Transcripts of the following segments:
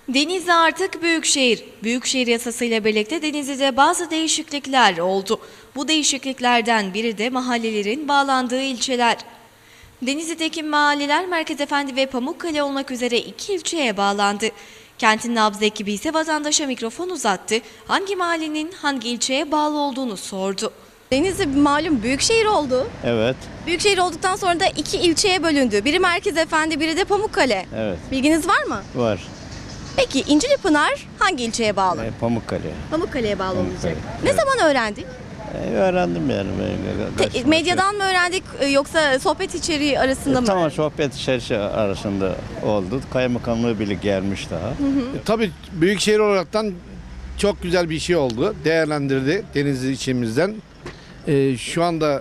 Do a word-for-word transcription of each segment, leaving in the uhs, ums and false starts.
Denizli artık büyükşehir. Büyükşehir yasasıyla birlikte Denizli'de bazı değişiklikler oldu. Bu değişikliklerden biri de mahallelerin bağlandığı ilçeler. Denizli'deki mahalleler Merkezefendi ve Pamukkale olmak üzere iki ilçeye bağlandı. Kentin nabzı ekibi ise vatandaşa mikrofon uzattı. Hangi mahallenin hangi ilçeye bağlı olduğunu sordu. Denizli malum büyükşehir oldu. Evet, Büyükşehir olduktan sonra da iki ilçeye bölündü. Biri Merkezefendi, biri de Pamukkale. evet. Bilginiz var mı? Var. Peki İncilipınar hangi ilçeye bağlı? E, Pamukkale. Pamukkale'ye bağlı Pamukkale, olacak. Ne zaman öğrendik? E, öğrendim yani. Ben, Te- medyadan mı öğrendik e, yoksa sohbet içeriği arasında E, mı? tamam, öğrendik? sohbet içerisi arasında oldu. Kaymakamlığı bile gelmiş daha. E, Tabii büyükşehir olaraktan çok güzel bir şey oldu. Değerlendirdi Denizli içimizden. E, şu anda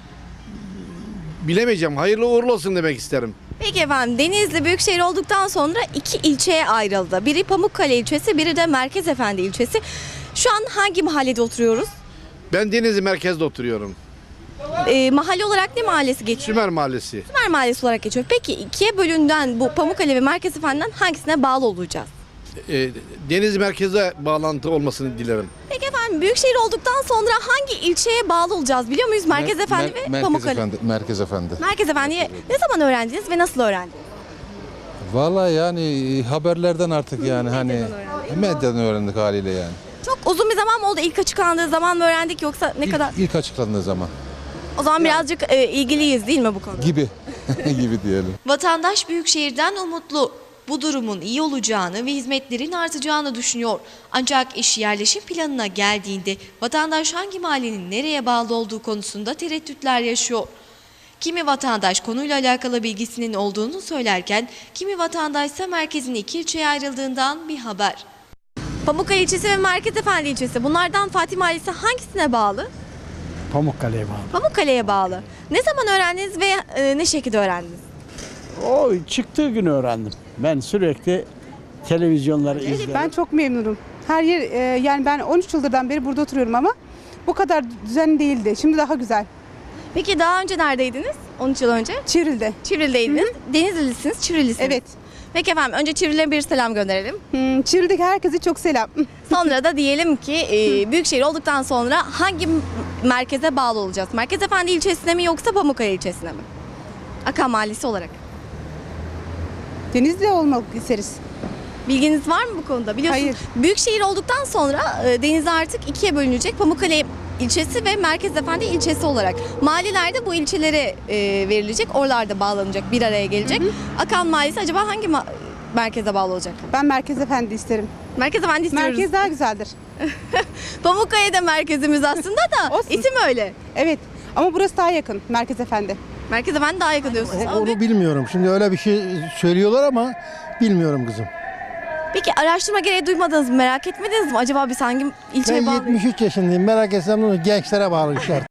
bilemeyeceğim. Hayırlı uğurlu olsun demek isterim. Peki efendim, Denizli büyükşehir olduktan sonra iki ilçeye ayrıldı. Biri Pamukkale ilçesi, biri de Merkezefendi ilçesi. Şu an hangi mahallede oturuyoruz? Ben Denizli merkezde oturuyorum. E, mahalle olarak ne mahallesi geçiyor? Sümer Mahallesi. Sümer Mahallesi olarak geçiyor. Peki ikiye bölünden bu Pamukkale ve Merkezefendi'den hangisine bağlı olacağız? E, Denizli merkeze bağlantı olmasını dilerim. Peki efendim, büyükşehir olduktan sonra hangi ilçeye bağlı olacağız biliyor muyuz? Merkezefendi Mer- ve Merkez Pamukkale. Efendi, Merkez Efendi. Merkezefendi'yi ne zaman öğrendiniz ve nasıl öğrendiniz? Vallahi yani haberlerden artık yani hani öğrendik. medyadan öğrendik haliyle yani. Çok uzun bir zaman mı oldu? İlk açıklandığı zaman mı öğrendik yoksa ne İlk, kadar? ilk açıklandığı zaman O zaman birazcık e, ilgiliyiz değil mi bu konuda? gibi gibi diyelim. Vatandaş Büyükşehir'den umutlu. Bu durumun iyi olacağını ve hizmetlerin artacağını düşünüyor. Ancak iş yerleşim planına geldiğinde vatandaş hangi mahallenin nereye bağlı olduğu konusunda tereddütler yaşıyor. Kimi vatandaş konuyla alakalı bilgisinin olduğunu söylerken, kimi vatandaşsa merkezin iki ilçeye ayrıldığından bir haber. Pamukkale ilçesi ve Merkezefendi ilçesi. Bunlardan Fatih Mahallesi hangisine bağlı? Pamukkale'ye bağlı. Pamukkale'ye bağlı. Ne zaman öğrendiniz ve e, ne şekilde öğrendiniz? O çıktığı gün öğrendim. Ben sürekli televizyonları izlerim. Ben çok memnunum. Her yer e, yani ben on üç yıldan beri burada oturuyorum ama bu kadar düzenli değildi. Şimdi daha güzel. Peki daha önce neredeydiniz? on üç yıl önce? Çivril'de. Çivril'deydiniz. Denizlilisiniz, Çivrilisiniz. Evet. Peki efendim, önce Çivril'e bir selam gönderelim. Hmm, Çivril'deki herkese çok selam. Sonra da diyelim ki e, büyükşehir olduktan sonra hangi m- merkeze bağlı olacağız? Merkezefendi ilçesine mi yoksa Pamukkale ilçesine mi? Akan Mahallesi olarak. Denizli olmak isteriz. Bilginiz var mı bu konuda? Biliyorsunuz Hayır. büyükşehir olduktan sonra e, Denizli artık ikiye bölünecek. Pamukkale ilçesi ve Merkezefendi ilçesi olarak. Mahallelerde bu ilçelere e, verilecek. Oralarda bağlanacak, bir araya gelecek. Akan Mahallesi acaba hangi ma- merkeze bağlı olacak? Ben Merkez Efendi isterim. Merkezefendi istiyoruz. Merkez daha güzeldir. Pamukkale de merkezimiz aslında da Olsun. isim öyle. Evet. Ama burası daha yakın. Merkez Efendi. Merkezefendi daha yakın diyorsunuz. Ama Onu bilmiyorum. Şimdi öyle bir şey söylüyorlar ama bilmiyorum kızım. Peki araştırma gereği duymadınız mı? Merak etmediniz mi? Acaba biz hangi ilçeye Ben bağlıyız? yetmiş üç yaşındayım. Merak etsem ne olur? Gençlere bağlı işler.